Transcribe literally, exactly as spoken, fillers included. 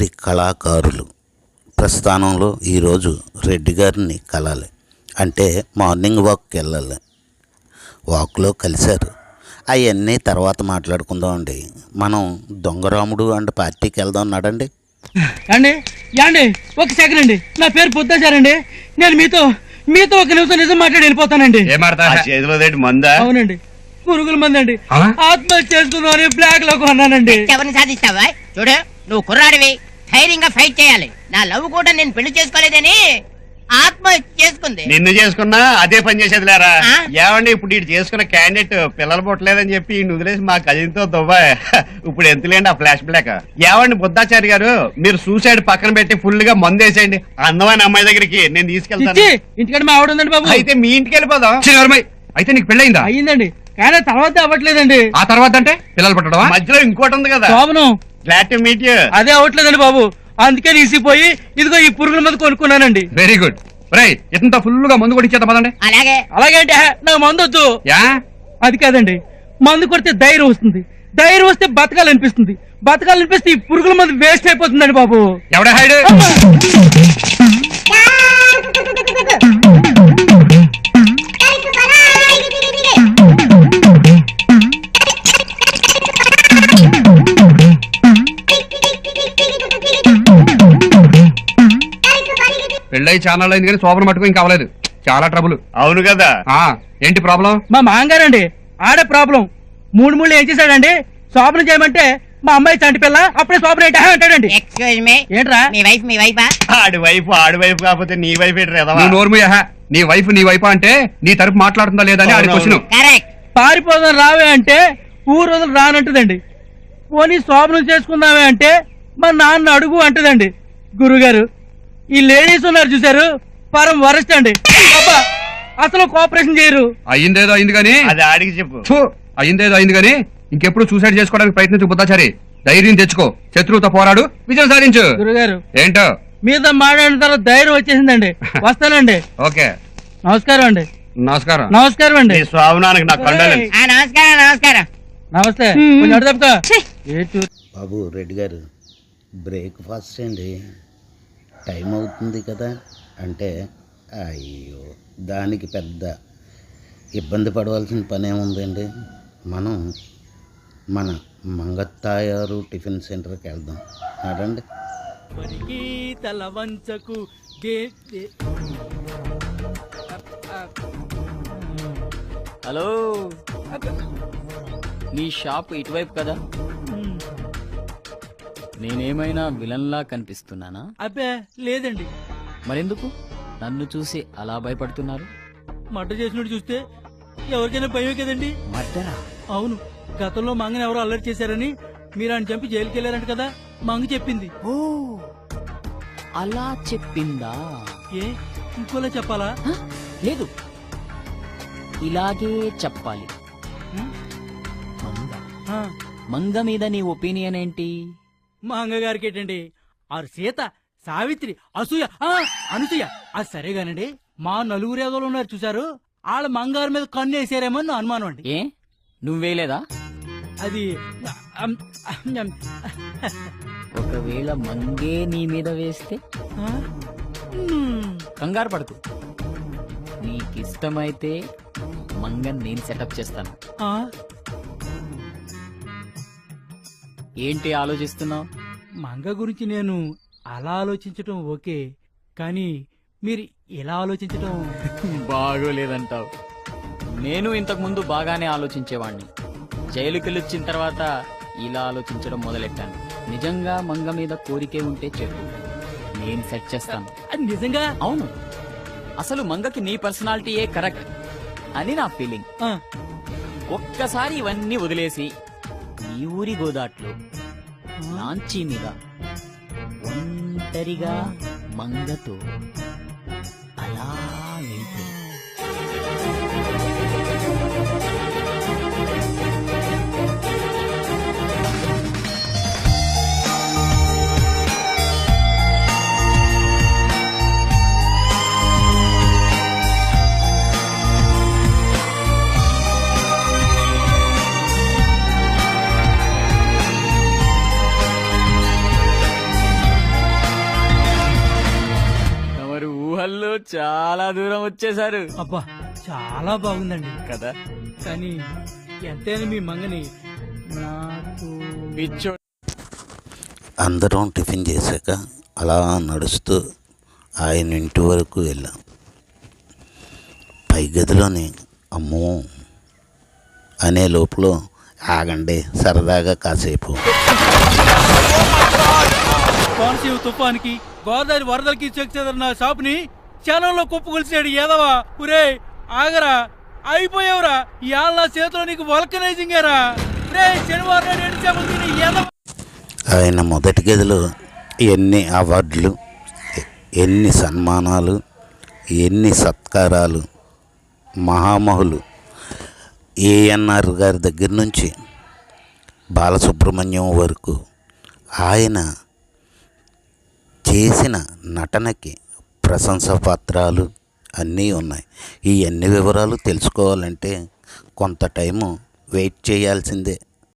వీరి కళాకారులు ప్రస్థానంలో ఈరోజు రెడ్డి గారిని కలాలి అంటే మార్నింగ్ వాక్కి వెళ్ళాలి. వాక్లో కలిశారు. అవన్నీ తర్వాత మాట్లాడుకుందాం అండి. మనం దొంగరాముడు అండ్ పార్టీకి వెళ్దాం అన్నాడండి. అండి యాండి ఒక సెకండ్ అండి, నా పేరు పొద్దాచారండి. నేను మీతో మీతో ఒక నిమిషం నిజం మాట్లాడి వెళ్ళిపోతానండి. అవునండి, పురుగుల మంది అండి. ఆత్మహత్య చేసుకుందామని బ్లాక్ లో కొన్నానండి. ఎవరిని సాధిస్తావా? చూడు, నువ్వు కుర్రాడివి, ధైర్యంగా ఫైట్ చేయాలి. నా లవ్ కూడా నేను పెళ్లి చేసుకోలేదని ఆత్మహత్య చేసుకుంది. నిన్ను చేసుకున్నా అదే పని చేసేది లేరా? ఏమండి ఇప్పుడు ఇటు చేసుకున్న క్యాండిడేట్ పిల్లలు పుట్టలేదని చెప్పి వదిలేసి మా కజిన్తో దుబాయ్. ఇప్పుడు ఎంతలేండి ఆ ఫ్లాష్ బ్లాక్. ఏమండి బుద్ధాచారి గారు, మీరు సూసైడ్ పక్కన పెట్టి ఫుల్ గా మందు వేసేయండి. అందమైన అమ్మాయి దగ్గరికి నేను తీసుకెళ్తాను. ఇంటికంటే మా ఆవిడ ఉందండి బాబు. అయితే మీ ఇంటికి వెళ్ళిపోదాం. అయితే నీకు పెళ్ళయిందా? అయ్యిందండి, కానీ తర్వాత అవ్వట్లేదండి. ఆ తర్వాత అంటే పిల్లలు పుట్టడం మధ్యలో ఇంకోటి ఉంది కదా. Glad to meet you. అదే అవ్వట్లేదండి బాబు, అందుకే తీసిపోయి ఇదిగో ఈ పురుగుల మందు కొనుక్కున్నానండి. Very good. రేయ్, ఇంత ఫుల్ గా మందు కొట్టించేద్దాం పదండి. అలాగే అలాగే అంటే నాకు మందు వద్దు. అది కాదండి, మందు కొడితే ధైర్యం వస్తుంది, ధైర్యం వస్తే బతకాలనిపిస్తుంది, బతకాలనిపిస్తే ఈ పురుగుల మందు వేస్ట్ అయిపోతుందండి బాబు. ఎవడే హైడ్? పెళ్ళై ఛానల్ అయింది కానీ శోభన మటుకు ఇంకా అవ్వలేదు. చాలా ట్రబుల్. అవును కదా. ఏంటి ప్రాబ్లం? మా మాంగారండి ఆడే ప్రాబ్లం. మూడు మూడు ఏం చేశాడండి, శోభన చేయమంటే మా అమ్మాయి చంటి పిల్ల, అప్పుడే శోభన అంటాడండి. ఏంట్రా మీ వైఫ్? మీ వైఫా? ఆడి వైఫ్ ఆడి వైఫ్ కాకపోతే నీ వైఫ్ ఏంటి? నోర్మయ్యా, నీ వైఫ్ నీ వైఫా అంటే నీ తరపు మాట్లాడుతుందా లేదా అని ఆడి క్వశ్చన్. పారిపోదాం రావే అంటే ఊరు రోజులు రానంటదండి. పోనీ శోభనం చేసుకుందామే అంటే మా నాన్న అడుగు అంటదండి. గురుగారు, ఈ లేడీస్ ఉన్నారు చూసారు, పరం వరస్ట్ అండి. అసలు కోఆపరేషన్ చేయరు. అయ్యిందేదో అయింది కానీ అది ఆడికి చెప్పు. అయ్యిందేదో అయింది కానీ ఇంకెప్పుడు సూసైడ్ చేసుకోవడానికి ప్రయత్నించు బుద్ధాచారి. ధైర్యం తెచ్చుకో, శత్రువుతో పోరాడు, విజయం సాధించు. గురుగారు ఏంటో మీద మాట్లాడిన తర్వాత ధైర్యం వచ్చేసిందండి. వస్తానండి. ఓకే, నమస్కారం అండి. నమస్కారం. నమస్కారం అండి. స్వామినానికి నా కండోలెన్స్. నమస్కారం. నమస్కారం. నమస్తే. బాబు రెడ్డి గారు, బ్రేక్ఫాస్ట్ అండి, టైం అవుతుంది కదా అంటే అయ్యో దానికి పెద్ద ఇబ్బంది పడవలసిన పని ఏముందండి. మనం మన మంగత్తాయారు టిఫిన్ సెంటర్కి వెళ్దాం అదండి. తల వంచకు. హలో, నీ షాప్ ఇటువైపు కదా? నేనేమైనా విలన్లా కనిపిస్తున్నానా? అబ్బే లేదండి. మరెందుకు నన్ను చూసి అలా భయపడుతున్నారు? మర్డర్ చేసినట్టు చూస్తే ఎవరికైనా భయం కదండి. మర్డరా? అవును, గతంలో మంగని ఎవరో అల్లరి చేశారని మీరు ఆయన చంపి జైలుకి వెళ్ళారంట కదా, మంగ చెప్పింది. ఓ అలా చెప్పిందా? ఏ ఇంకోలా చెప్పాలా? లేదు, ఇలాగే చెప్పాలి. మంగ మంగ మీద నీ ఒపీనియన్ ఏంటి? మా అంగగారికి ఏంటండి, ఆరు సీత, సావిత్రి, అసూయ, అనసూయ. అది సరేగానండి, మా నలుగురు ఏదోలు ఉన్నారు చూసారు, వాళ్ళ మంగారు మీద కన్ను వేసారేమో నా అనుమానం అండి. ఏ నువ్వేలేదా? అది ఒకవేళ మంగే నీ మీద వేస్తే? కంగారు పడుతు, నీకిష్టమైతే మంగన్ నేను సెటప్ చేస్తాను. ఏంటి ఆలోచిస్తున్నావు? మంగ గురించి నేను అలా ఆలోచించటం ఓకే, కానీ మీరు ఇలా ఆలోచించటం బాగోలేదంటావు. నేను ఇంతకు ముందు బాగానే ఆలోచించేవాణ్ణి. జైలుకెళ్ళొచ్చిన తర్వాత ఇలా ఆలోచించడం మొదలెట్టాను. నిజంగా మంగ మీద కోరికే ఉంటే చెప్పు, నేను సెట్ చేస్తాను. నిజంగా? అవును, అసలు మంగకి నీ పర్సనాలిటీయే కరెక్ట్ అని నా ఫీలింగ్. ఒక్కసారి ఇవన్నీ వదిలేసి ఈ ఊరి గోదాట్లో లాంచీ మీద ఒంటరిగా మంగతో అలా వెళ్తే చాలా దూరం వచ్చేసారు అబ్బా చాలా బాగుందండి కదా. కానీ ఎంతైనా మీ మంగని నాకు పిచ్చో అందరం టిఫిన్ చేశాక అలా నడుస్తూ ఆయన ఇంటి వరకు వెళ్ళాం. పై గదిలోని అమ్మో అనే లోపల ఆగండి సరదాగా కాసేపు. కోనసీమ తుఫానికి గోదావరి వరదలకి చెక్ చెదరిన షాపుని క్షణంలో కుప్పగొలిసాడు ఏదవా. ఒరే ఆగరా, అయిపోయావురా. ఇవాళ నా చేతిలో నీకు వల్కనైజింగ్ ఏరా. రే శనివారం నాడు ఎండు చేపలు తిని ఏదవా. ఆయన మొదటి గదిలో ఎన్ని అవార్డులు, ఎన్ని సన్మానాలు, ఎన్ని సత్కారాలు, మహామహులు ఏఎన్ఆర్ గారి దగ్గర నుంచి బాలసుబ్రహ్మణ్యం వరకు ఆయన చేసిన నటనకి ప్రశంసా పత్రాలు అన్నీ ఉన్నాయి. ఈ అన్ని వివరాలు తెలుసుకోవాలంటే కొంత టైము వెయిట్ చేయాల్సిందే.